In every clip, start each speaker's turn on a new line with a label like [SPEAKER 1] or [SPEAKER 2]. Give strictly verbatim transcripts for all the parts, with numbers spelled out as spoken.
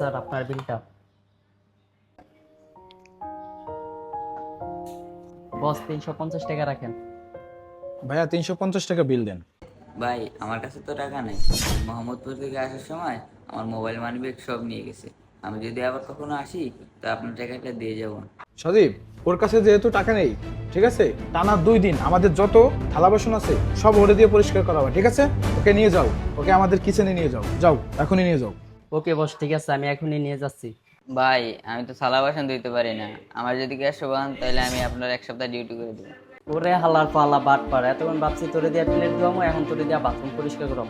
[SPEAKER 1] Sir আপনার বিলটা। বস তিনশো পঞ্চাশ টাকা রাখেন।
[SPEAKER 2] ভাইয়া তিনশো পঞ্চাশ টাকা বিল দেন।
[SPEAKER 3] ভাই আমার কাছে তো টাকা নেই। মোহাম্মদপুর থেকে আসার সময় আমার মোবাইল মানিব্যাগ সব নিয়ে গেছে। আমি যদি আবার কখনো আসি তো আপনার টাকাটা দিয়ে যাবো।
[SPEAKER 2] সজীব, ওর কাছে যেহেতু টাকা নেই, ঠিক আছে, টানা দুই দিন আমাদের যত থালা বাসন আছে সব ওরে দিয়ে পরিষ্কার করা হবে, ঠিক আছে? ওকে নিয়ে যাও, ওকে আমাদের কিচেনে নিয়ে যাও, যাও এখনই নিয়ে যাও।
[SPEAKER 1] ওকে বস, ঠিক আছে, আমি এখনই নিয়ে যাচ্ছি।
[SPEAKER 3] ভাই আমি তো থালা বাসন ধুইতে পারি না, আমার যদি গ্যাস পান তাহলে আমি আপনার এক সপ্তাহ ডিউটি করে দেবো।
[SPEAKER 1] ওরে হালার পালা বাট পার, এতক্ষণ ভাবছি তোরে দিয়া প্লেট ধোয়ামো, এখন তোরে দিয়া বাথরুম পরিষ্কার করাম।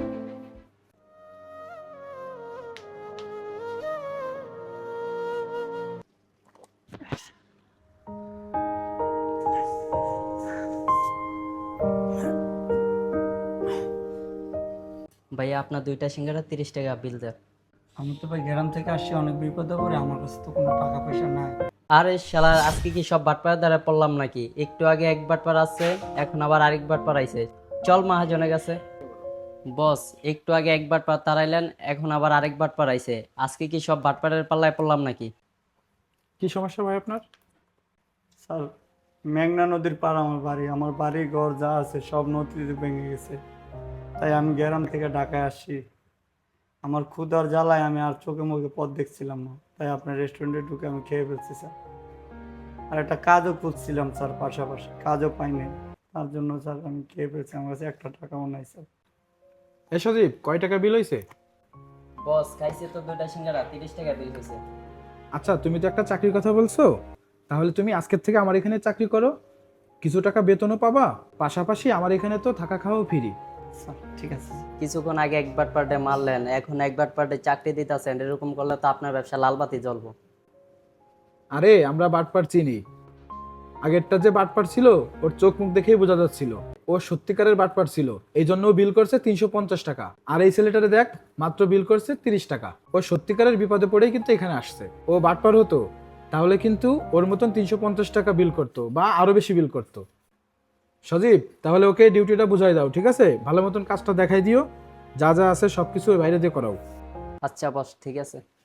[SPEAKER 1] ভাইয়া আপনার দুইটা সিঙ্গারা তিরিশ টাকা বিল দেন।
[SPEAKER 4] আমি তো ভাই গ্রাম থেকে আসছি, অনেক বিপদে পড়ে, আমার কাছে তো কোনো টাকা পয়সা নাই।
[SPEAKER 1] আরে শালা, আজকে কি সব বাটপাড়ার দ্বারা পড়লাম নাকি? একটু আগে এক বাটপার আছে, এখন আবার আরেক বাটপার আইছে। চল মহাজনের কাছে। বস, একটু আগে এক বাটপার তাড়াইলেন, এখন আবার আরেক বাটপার আইছে। আজকে কি সব বাটপাড়ের পাল্লায় পড়লাম নাকি?
[SPEAKER 2] কি সমস্যা ভাই আপনার?
[SPEAKER 4] স্যার, মেঘনা নদীর পার আমার বাড়ি, আমার বাড়ি ঘর যা আছে সব নদীতে ভেঙে গেছে। তাই আমি গ্রাম থেকে ঢাকায় আসছি। আমার ক্ষুধার জ্বালায় আমি আর চোখে মুখে পথ দেখছিলাম না, তাই আপনার রেস্টুরেন্টে ঢুকে আমি খেয়ে ফেলছি স্যার। আর একটা কাজও খুঁজছিলাম স্যার, পাশাপাশি কাজও পাইনি, তার জন্য স্যার আমি খেয়ে ফেলছি। আমার কাছে একটা টাকাও নাই স্যার।
[SPEAKER 2] এ সজীব, কয় টাকা বিল হয়েছে?
[SPEAKER 1] বস, খাইছে তো দুইটা সিঙ্গারা, তিরিশ টাকা বিল হয়েছে।
[SPEAKER 2] আচ্ছা, তুমি তো একটা চাকরির কথা বলছো, তাহলে তুমি আজকের থেকে আমার এখানে চাকরি করো, কিছু টাকা বেতনও পাবা, পাশাপাশি আমার এখানে তো থাকা খাওয়াও ফ্রি।
[SPEAKER 4] স্যার ঠিক আছে।
[SPEAKER 1] কিছুক্ষণ আগে এক বাটপারটে মারলেন, এখন এক বাটপারটে চাকরি দিতেছেন, এরকম করলে তো আপনার ব্যবসা লালবাতি জ্বলবো।
[SPEAKER 2] আরে আমরা বাটপার চিনি, আগেরটা যে বাটপার ছিল ওর চোখ মুখ দেখেই বোঝা যাচ্ছিল ও সত্যিকারের বাটপার ছিল, এই জন্য ও বিল করছে তিনশো পঞ্চাশ টাকা। আর এই ছেলেটারে দেখ, মাত্র বিল করছে তিরিশ টাকা। ও সত্যিকারের বিপদে পড়েই কিন্তু এখানে আসছে। ও বাটপার হতো তাহলে কিন্তু ওর মতন তিনশো পঞ্চাশ টাকা বিল করতো বা আরো বেশি বিল করতো। সজীব, তাহলে ওকে ডিউটিটা বুঝাই দাও, ঠিক আছে? ভালো মতন কাজটা দেখাই দিও, যা যা আছে সবকিছু ওর বাইরে দিয়ে করাও।
[SPEAKER 1] আচ্ছা বস, ঠিক আছে।